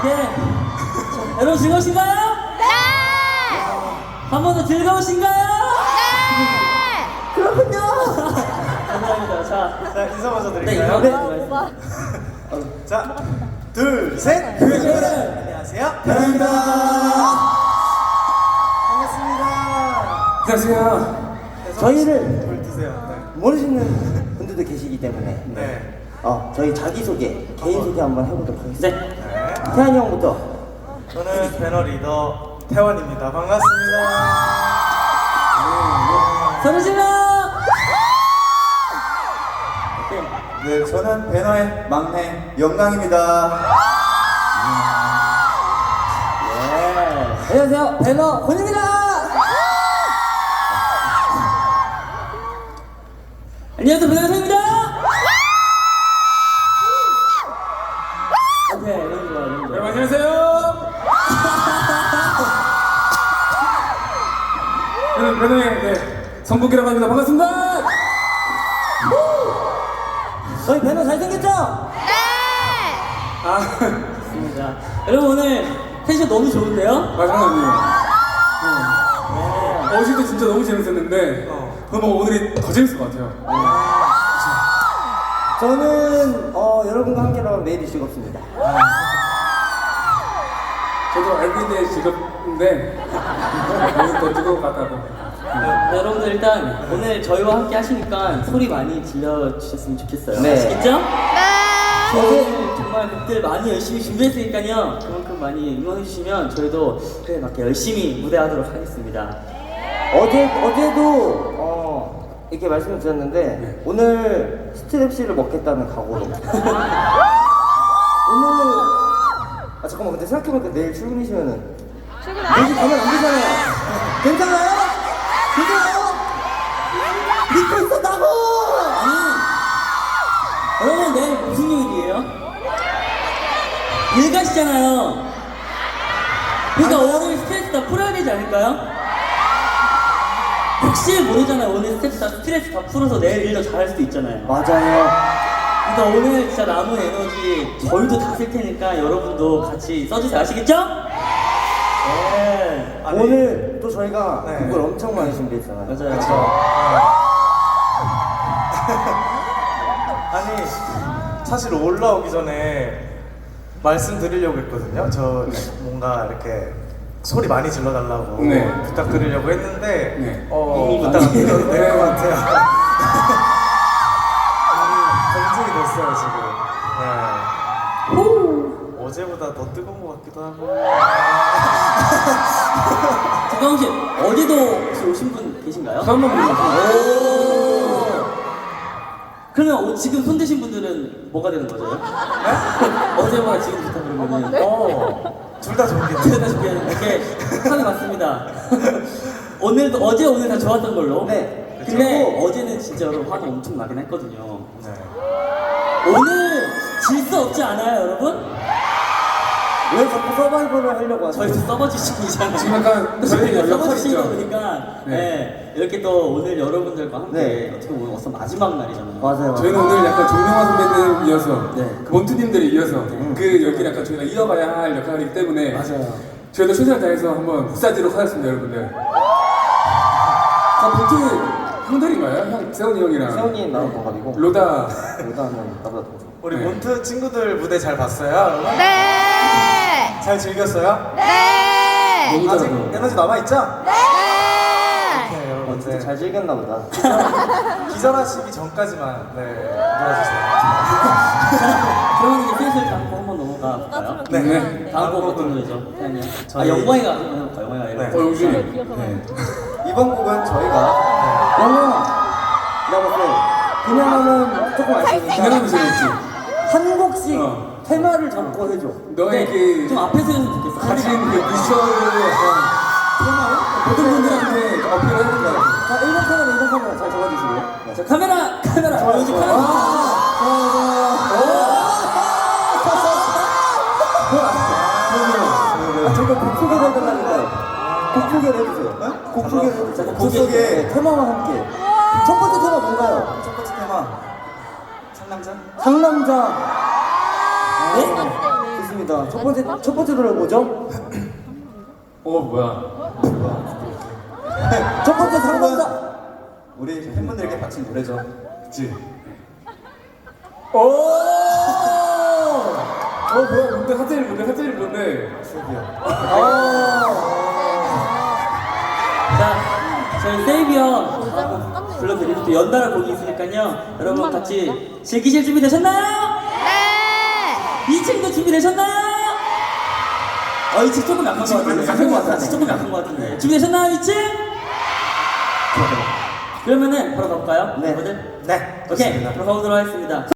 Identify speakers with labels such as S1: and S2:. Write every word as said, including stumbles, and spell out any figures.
S1: 예. 여러분 즐거우신가요?
S2: 네!
S1: 한 번 더 즐거우신가요?
S2: 네!
S1: 그렇군요. 감사합니다. 자,
S3: 자, 인사 먼저
S1: 네,
S3: 드릴까요?
S1: 네.
S3: 자, 둘, 셋!
S1: 네.
S3: 안녕하세요. 변호입니다. 반갑습니다.
S4: 안녕하세요.
S3: 네,
S4: 저희를
S3: 물 드세요. 네.
S4: 모르시는 분들도 계시기 때문에
S3: 네.
S4: 어, 저희 자기소개, 개인소개 한번 해보도록 하겠습니다.
S1: 네.
S3: 네.
S4: 태환이 형부터.
S3: 저는 배너 리더 태원입니다. 반갑습니다.
S1: 소리 질러!
S5: 네, 저는 배너의 막내 영광입니다.
S4: 예. 안녕하세요. 배너 권입니다.
S1: 안녕하세요, 배나입니다. 오케이, 이런 거, 이런 거.
S4: 여러분 안녕하세요. 저는 배너의 네, 성국이라고 합니다. 반갑습니다. 저희 배너 잘생겼죠?
S2: 네!
S4: 아,
S1: 좋습니다. 여러분 오늘 텐션 너무 좋은데요?
S4: 마지막이에요. 어제 때 진짜 너무 재밌었는데
S3: 어.
S4: 너무 오늘이 더 재밌을 것 같아요. 저는 어, 여러분과 함께라면 매일이 즐겁습니다. 저도 알고 있는데 즐겁는데 오늘 더 즐거울 것 같다고.
S1: 네, 여러분들 일단 오늘 저희와 함께 하시니까 소리 많이 질러주셨으면 좋겠어요.
S4: 네.
S1: 아시겠죠?
S2: 네!
S1: 오늘 정말 곡들 많이 열심히 준비했으니까요. 그만큼 많이 응원해주시면 저희도 그에 맞게 열심히 무대하도록 하겠습니다.
S4: 어제 어제도 어, 이렇게 말씀을 드렸는데 오늘 스트랩시를 먹겠다는 각오로. 오늘 아 잠깐만 근데 생각해보니까 내일 출근이시면은
S2: 출근하세요.
S4: 내일 가면 안 되잖아요. 괜찮아요? 괜찮아요? 믿고 있었다고.
S1: 아니, 여러분 내일 무슨 요일이에요? 일 가시잖아요. 그러니까 오늘 스트레스 다 풀어야 되지 않을까요? 혹시 모르잖아요. 오늘 스트레스 다, 스트레스 다 풀어서 내일 일도 잘할 수도 있잖아요.
S4: 맞아요.
S1: 그러니까 오늘 진짜 남은 에너지 저희도 다 쓸 테니까 여러분도 같이 써주세요. 아시겠죠? 네.
S3: 아니,
S4: 오늘 또 저희가
S3: 네.
S4: 곡을 엄청 많이 준비했잖아요.
S1: 맞아요.
S3: 그렇죠. 아니, 사실 올라오기 전에 말씀드리려고 했거든요. 저 뭔가 이렇게 소리 많이 질러달라고
S4: 네.
S3: 부탁드리려고 했는데
S4: 네.
S3: 어,
S1: 이미
S3: 부탁 안
S1: 많이
S3: 드려도 될 것 같아요. 검증이 됐어요 지금. 네. 어제보다 더 뜨거운 것 같기도 하고.
S1: 잠깐만 혹시 어제도 혹시 오신 분 계신가요?
S4: 한번
S1: 그러면 어, 지금 손 드신 분들은 뭐가 되는 거죠? 어제와 지금부터 그러면은
S3: 어, 둘 다 좋은 게
S1: 제가 준비하는 게 하나 맞습니다. 오늘도 어제 오늘 다 좋았던 걸로.
S4: 네.
S1: 근데
S4: 그리고
S1: 어제는 진짜 여러분 화가 엄청 나긴 했거든요.
S3: 네.
S1: 오늘 질 수 없지 않아요, 여러분?
S4: 왜 자꾸 서바이벌을 하려고 하세요?
S1: 저희도 서버지식이잖아요.
S4: 지금 약간 저희 역할이
S1: 서버지식이다
S4: 있죠.
S1: 보니까
S4: 네.
S1: 네. 이렇게 또 오늘 여러분들과 함께
S4: 네.
S1: 어떻게 보면 어서 마지막 날이잖아요.
S4: 맞아요.
S6: 저희는 오늘 약간 종영화 선배님 이어서
S1: 네.
S6: 그 몬투님들이 이어서 그 여기를 약간 저희가 이어가야 할 역할이기 때문에
S1: 맞아요.
S6: 저희도 최선을 다해서 한번 복사하도록 하겠습니다, 여러분들. 아, 몬투 형들인가요? 형, 세훈이 형이랑
S4: 세훈이 나온 동갑이고
S6: 로다.
S4: 로다는 나보다 더 좋아.
S3: 우리
S6: 네.
S3: 몬트 친구들 무대 잘 봤어요? 여러분?
S2: 네!
S3: 잘 즐겼어요?
S2: 네!
S6: 너무
S3: 아직
S6: 잘하고.
S3: 에너지 남아있죠?
S2: 네!
S3: 네,
S4: 어,
S3: 여러분.
S4: 진짜 잘 즐겼나 보다.
S3: 기절하시기 전까지만 네, 놀아주세요.
S1: 그러면 이제 슬슬 다음 곡 한번 넘어가 볼까요?
S3: 네.
S6: 네.
S1: 다음 곡
S3: 곡은
S1: 어떤 노래죠? 태연이 아,
S3: 저희-
S1: 영광이가 한번 해볼까요? 영광이가
S3: 네.
S6: 어,
S1: 이렇게.
S6: 역시. 네.
S4: 이번 곡은 저희가 영화 내가 봤을 때 그냥 하면 조금 아쉬우니까
S6: 기나가면 재밌지.
S4: 한 곡씩
S6: 어.
S4: 테마를 잡고 해줘.
S6: 너의
S1: 네,
S6: 그
S1: 좀 앞에서 했으면 좋겠어.
S6: 가진 그 미션을 약간 모든 분들한테 어필을 하는 거야.
S4: 자, 일 번 카메라, 이 번 카메라 잘 잡아주시고요. 네.
S1: 자, 카메라, 카메라. 어, 요즘 카메라.
S4: 아, 저거 곡 소개를 해달라니까요. 곡 소개를 해주세요. 곡 소개를 해주세요. 곡 소개. 네, 테마와 함께. 첫 번째 테마 뭔가요?
S3: 첫 번째 테마 상남자?
S4: 상남자.
S1: 네?
S4: 좋습니다. 첫 번째 첫 번째 노래 뭐죠?
S6: 어 뭐야?
S4: 첫 번째 상관자.
S5: 우리 팬분들에게 바친 노래죠.
S6: 그치?
S4: 오.
S6: 어 뭐야? 뭔데? 하트를 뭔데? 하트를 뭔데?
S1: 자, 저희 세이비 형 불러드릴 또 연달아 곡이 있으니까요. 여러분 같이 즐기실 준비 되셨나요?
S2: 네.
S1: 이 층도 준비되셨나요? 어, 이 층 조금 약한 것 같은데.
S6: 약한 것 같아.
S1: 조금 약한 것 같은데. 준비되셨나요, 이 층? 그러면은 바로 가볼까요?
S4: 네.
S1: 여러분들?
S3: 네.
S1: 오케이, 그럼 가보도록 하겠습니다.